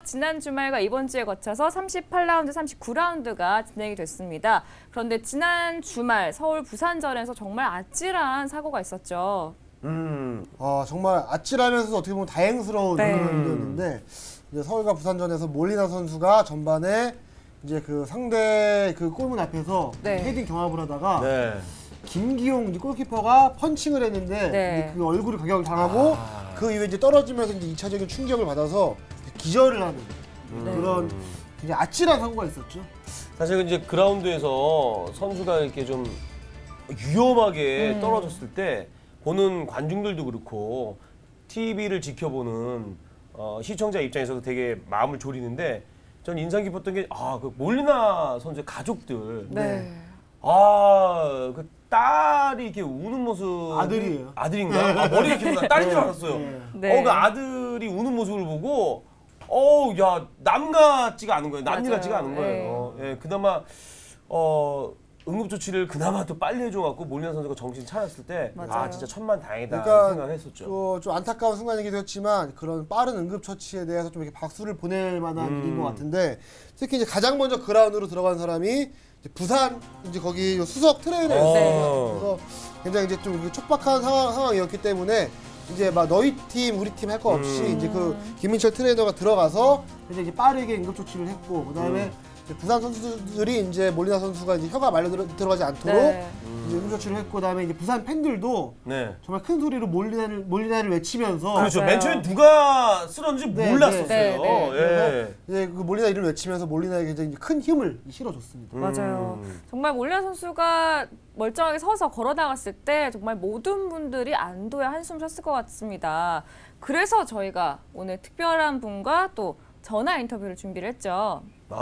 지난 주말과 이번 주에 거쳐서 38라운드, 39라운드가 진행이 됐습니다. 그런데 지난 주말 서울 부산전에서 정말 아찔한 사고가 있었죠. 정말 아찔하면서도 어떻게 보면 다행스러운 경기였는데 이제 서울과 부산전에서 몰리나 선수가 전반에 이제 그 상대 그 골문 앞에서 헤딩 경합을 하다가 김기용 이제 골키퍼가 펀칭을 했는데 그 얼굴에 가격을 당하고 그 이후에 이제 떨어지면서 이제 2차적인 충격을 받아서 기절을 하는 그런 굉장히 아찔한 사고가 있었죠. 사실 이제 그라운드에서 선수가 이렇게 좀 위험하게 떨어졌을 때 보는 관중들도 그렇고 TV를 지켜보는 시청자 입장에서도 되게 마음을 졸이는데 전 인상 깊었던 게 그 몰리나 선수의 가족들. 그 딸이 이렇게 우는 모습. 아들이에요. 아들인가? 머리가 기억나. 딸인 줄 알았어요. 그 아들이 우는 모습을 보고 야, 남 같지가 않은 거예요. 남일 같지가 않은 거예요. 그나마 응급조치를 그나마 또 빨리 해줘갖고 몰리나 선수가 정신 차렸을 때 진짜 천만다행이다 그러니까 생각했었죠. 좀 안타까운 순간이기도 했지만 그런 빠른 응급처치에 대해서 좀 이렇게 박수를 보낼 만한 일인 것 같은데 특히 이제 가장 먼저 그라운드로 들어간 사람이 이제 부산 이제 거기 수석 트레이너였어요. 그래서 굉장히 이제 좀 촉박한 상황이었기 때문에 이제 막 너희 팀 우리 팀 할 거 없이 이제 그 김민철 트레이너가 들어가서 이제 빠르게 응급조치를 했고 그다음에 부산 선수들이 이제 몰리나 선수가 이제 혀가 말려 들어가지 않도록 이제 응급조치를 했고 그다음에 이제 부산 팬들도 정말 큰 소리로 몰리나를 외치면서 그렇죠. 맨 처음에 누가 쓰러졌는지 몰랐었어요. 그래서 이제 그 몰리나 이름을 외치면서 몰리나에 굉장히 큰 힘을 실어줬습니다. 맞아요. 정말 몰리나 선수가 멀쩡하게 서서 걸어 나갔을 때 정말 모든 분들이 안도의 한숨 쉬었을 것 같습니다. 그래서 저희가 오늘 특별한 분과 또 전화 인터뷰를 준비를 했죠.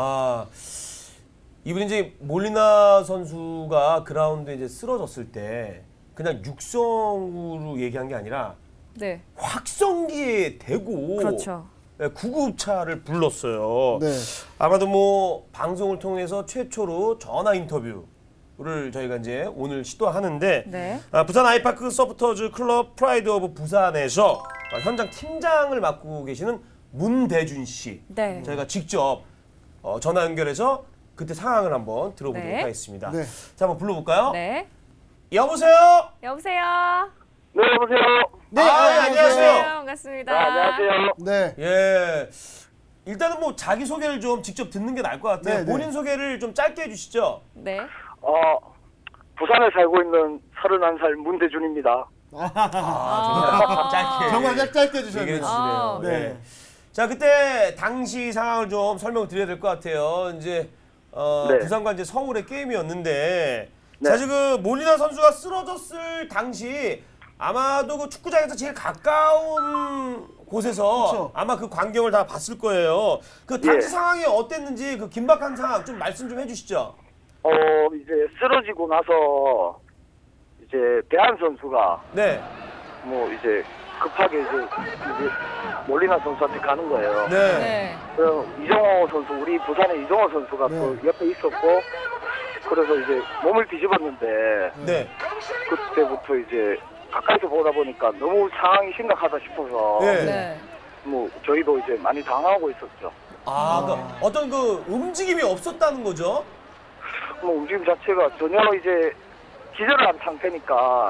이분이 이제 몰리나 선수가 그라운드에 이제 쓰러졌을 때 그냥 육성으로 얘기한 게 아니라 확성기에 대고 구급차를 불렀어요. 아마도 뭐 방송을 통해서 최초로 전화 인터뷰를 저희가 이제 오늘 시도하는데 부산 아이파크 서포터즈 클럽 프라이드 오브 부산에서 현장 팀장을 맡고 계시는 문대준 씨 저희가 직접 전화 연결해서 그때 상황을 한번 들어보도록 하겠습니다. 자, 한번 불러볼까요? 여보세요? 여보세요? 네, 여보세요? 네, 안녕하세요. 반갑습니다. 안녕하세요. 네. 일단은 뭐 자기소개를 좀 직접 듣는 게 나을 것 같아요. 본인 소개를 좀 짧게 해주시죠. 부산에 살고 있는 31살 문대준입니다. 정말 짧게 해주셨네요. 자, 그때 당시 상황을 좀 설명을 드려야 될 것 같아요. 이제 부산과 이제 서울의 게임이었는데 사실 그 몰리나 선수가 쓰러졌을 당시 아마도 그 축구장에서 제일 가까운 곳에서 아마 그 광경을 다 봤을 거예요. 그 당시 상황이 어땠는지 그 긴박한 상황 좀 말씀 좀 해주시죠. 이제 쓰러지고 나서 이제 대한 선수가 뭐 이제 급하게 이제 몰리나 선수한테 가는 거예요. 그래서 이정호 선수, 우리 부산의 이정호 선수가 그 옆에 있었고, 그래서 이제 몸을 뒤집었는데, 그때부터 이제 가까이서 보다 보니까 너무 상황이 심각하다 싶어서, 뭐 저희도 이제 많이 당황하고 있었죠. 그러니까 어떤 그 움직임이 없었다는 거죠? 뭐 움직임 자체가 전혀 이제 기절을 한 상태니까.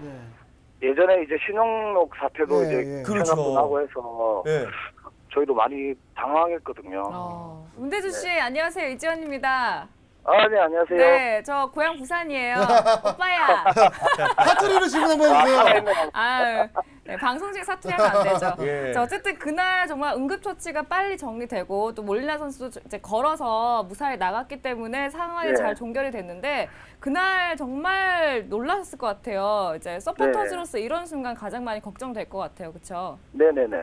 예전에 이제 신영록 사태도 이제 생각도 나고 해서 저희도 많이 당황했거든요. 문대준 씨, 안녕하세요. 이지원입니다. 네, 안녕하세요. 네, 저 고향 부산이에요. 오빠야. 사투리로 질문 한번 해주세요. 방송 중에 사투리하면 안 되죠. 자, 어쨌든 그날 정말 응급처치가 빨리 정리되고 또 몰리나 선수도 이제 걸어서 무사히 나갔기 때문에 상황이 잘 종결이 됐는데 그날 정말 놀랐을 것 같아요. 이제 서포터즈로서 이런 순간 가장 많이 걱정될 것 같아요. 그렇죠? 네네네.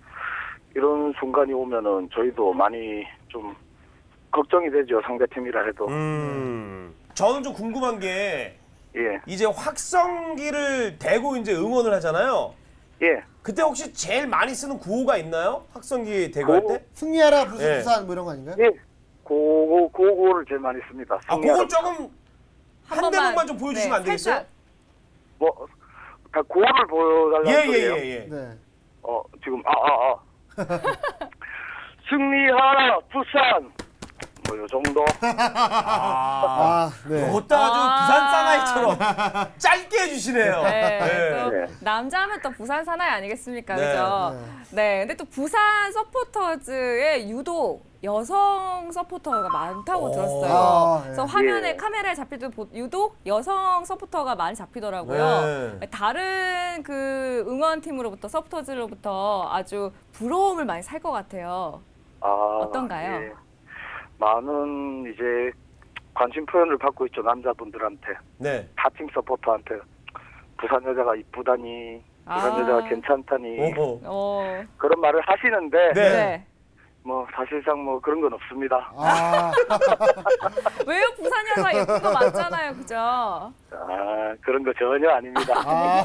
이런 순간이 오면은 저희도 많이 좀 걱정이 되죠. 상대팀이라 해도. 저는 좀 궁금한 게 이제 확성기를 대고 이제 응원을 하잖아요. 그때 혹시 제일 많이 쓰는 구호가 있나요? 확성기 대고 할 때? 승리하라 부산 뭐 이런 거 아닌가요? 고고를 제일 많이 씁니다. 그걸 조금 한 대목만 좀 보여주시면 안 되겠어요? 뭐 고를 보여달라는 소리예요? 예. 지금 승리하라 부산. 뭐 요 정도. 네. 그것도 아주 부산 사나이처럼 짧게 해주시네요. 네. 네. 남자하면 또 부산 사나이 아니겠습니까, 네. 그죠? 네. 근데 또 부산 서포터즈에 유독 여성 서포터가 많다고 들었어요. 그래서 화면에 카메라에 잡힐 때 유독 여성 서포터가 많이 잡히더라고요. 다른 그 응원팀으로부터 서포터즈로부터 아주 부러움을 많이 살 것 같아요. 어떤가요? 예. 많은 이제 관심 표현을 받고 있죠, 남자분들한테. 네. 타팀 서포터한테. 부산 여자가 이쁘다니, 부산 여자가 괜찮다니. 그런 말을 하시는데 네. 뭐 사실상 뭐 그런 건 없습니다. 왜요? 부산 여자 예쁜 거 많잖아요, 그죠? 그런 거 전혀 아닙니다.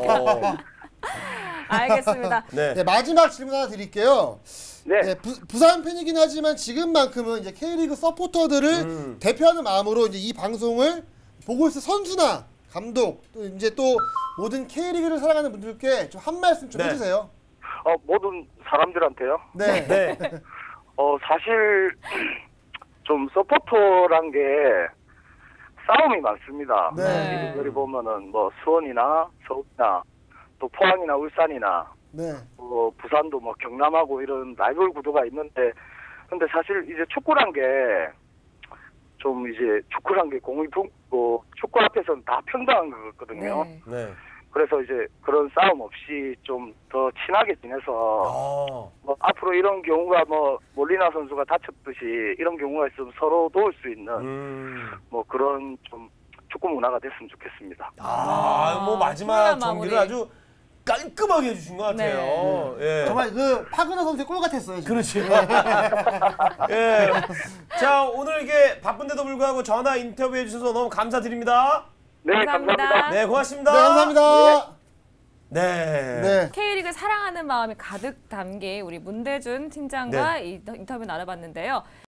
알겠습니다. 네, 마지막 질문 하나 드릴게요. 네, 부산 팬이긴 하지만 지금만큼은 이제 K리그 서포터들을 대표하는 마음으로 이제 이 방송을 보고 있을 선수나 감독 또 이제 또 모든 K리그를 사랑하는 분들께 좀 한 말씀 좀 해주세요. 모든 사람들한테요? 네. 네. 사실 좀 서포터란 게 싸움이 많습니다. 네. 이들이 보면은 뭐 수원이나 서울이나 또 포항이나 울산이나 네. 부산도 뭐 경남하고 이런 라이벌 구도가 있는데, 근데 사실 이제 축구란 게 좀 이제 축구란 게 공이품고 축구 앞에서는 다 평등한 거거든요. 네. 네. 그래서 이제 그런 싸움 없이 좀 더 친하게 지내서 뭐 앞으로 이런 경우가 뭐 몰리나 선수가 다쳤듯이 이런 경우가 있으면 서로 도울 수 있는 뭐 그런 좀 축구 문화가 됐으면 좋겠습니다. 뭐 마지막 정리를 아주 깔끔하게 해주신 것 같아요. 네. 예. 정말 그 파그너 선수의 골 같았어요. 지금. 그렇지. 예. 자, 오늘 이게 바쁜데도 불구하고 전화 인터뷰해 주셔서 너무 감사드립니다. 네, 감사합니다. 네, 고맙습니다. 네, 감사합니다. 네. K리그 사랑하는 마음이 가득 담긴 우리 문대준 팀장과 인터뷰 나눠봤는데요.